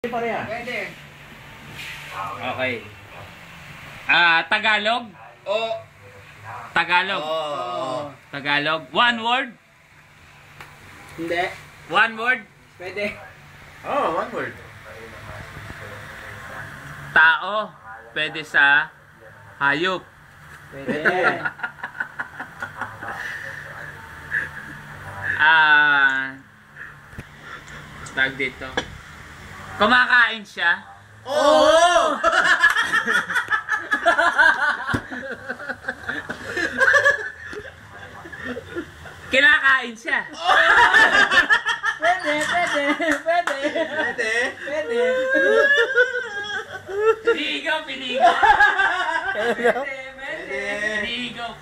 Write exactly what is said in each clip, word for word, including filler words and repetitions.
Pwede. Okay. Ah, Tagalog? O. Tagalog. Oo. Tagalog. One word? Hindi. One word? Pwede. Oh, one word. Tao. Pwede sa hayop. Pwede. Ah, tag dito. Kumakain siya. Oo! Kinakain siya. Pwede, pwede, pwede. Pwede. Pwede. Pinigaw, pinigaw. Pwede, pwede. Pinigaw.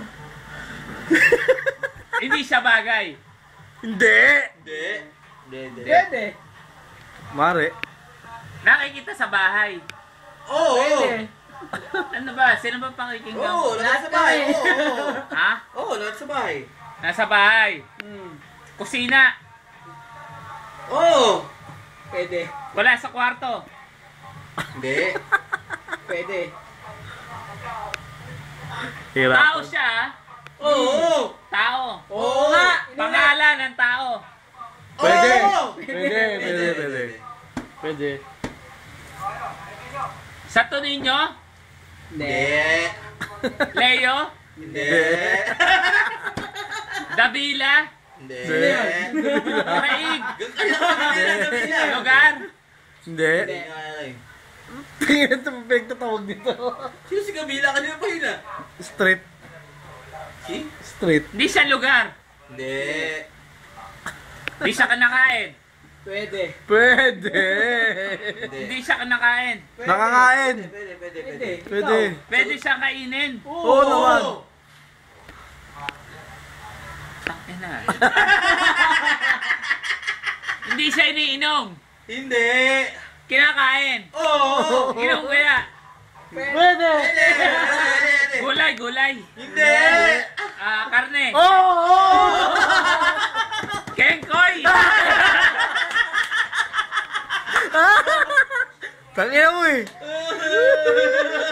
Hindi siya bagay. Hindi! Hindi. Hindi. Pwede. Mare. Nakikita sa bahay. Oo! Pwede. Ano ba? Sino ba pakikinggan? Oo, lahat sa bahay. Oo, oo. Ha? Oo, lahat sa bahay. Nasa bahay. Hmm. Kusina. Oo! Pwede. Wala sa kwarto. Hindi. Pwede. Hirap. Tao siya. ah. Oo! Tao. Oo nga. Pangalan ng tao. Pwede. Oo! Pwede, pwede, pwede. Pwede. Sa Toninyo. Hindi. Leo. Hindi. Davila. Hindi. Craig. Hindi. Lugar. Hindi. Hindi nga eh. Tingnan ito, pinagtatawag dito. Sino si Kabila? Kanina pa yun ah. Street. Si? Street. Hindi siya lugar. Hindi. Hindi siya kanakain. Pwede. Pwede. Hindi. Hindi siya kanakain. Pwede. Nakakain. Pwede, pwede, Pwede. pwede. Pwede. Pwede siya kainin. Oo naman. Tangina. Hindi siya iniinom. Hindi. Kinakain. Oo! Inom kaya. Pwede. Pwede. Pwede, pwede, pwede. Gulay, gulay. Hindi. Ah, karne. Oo! Oo! Kengkoy. Tangina mo eh.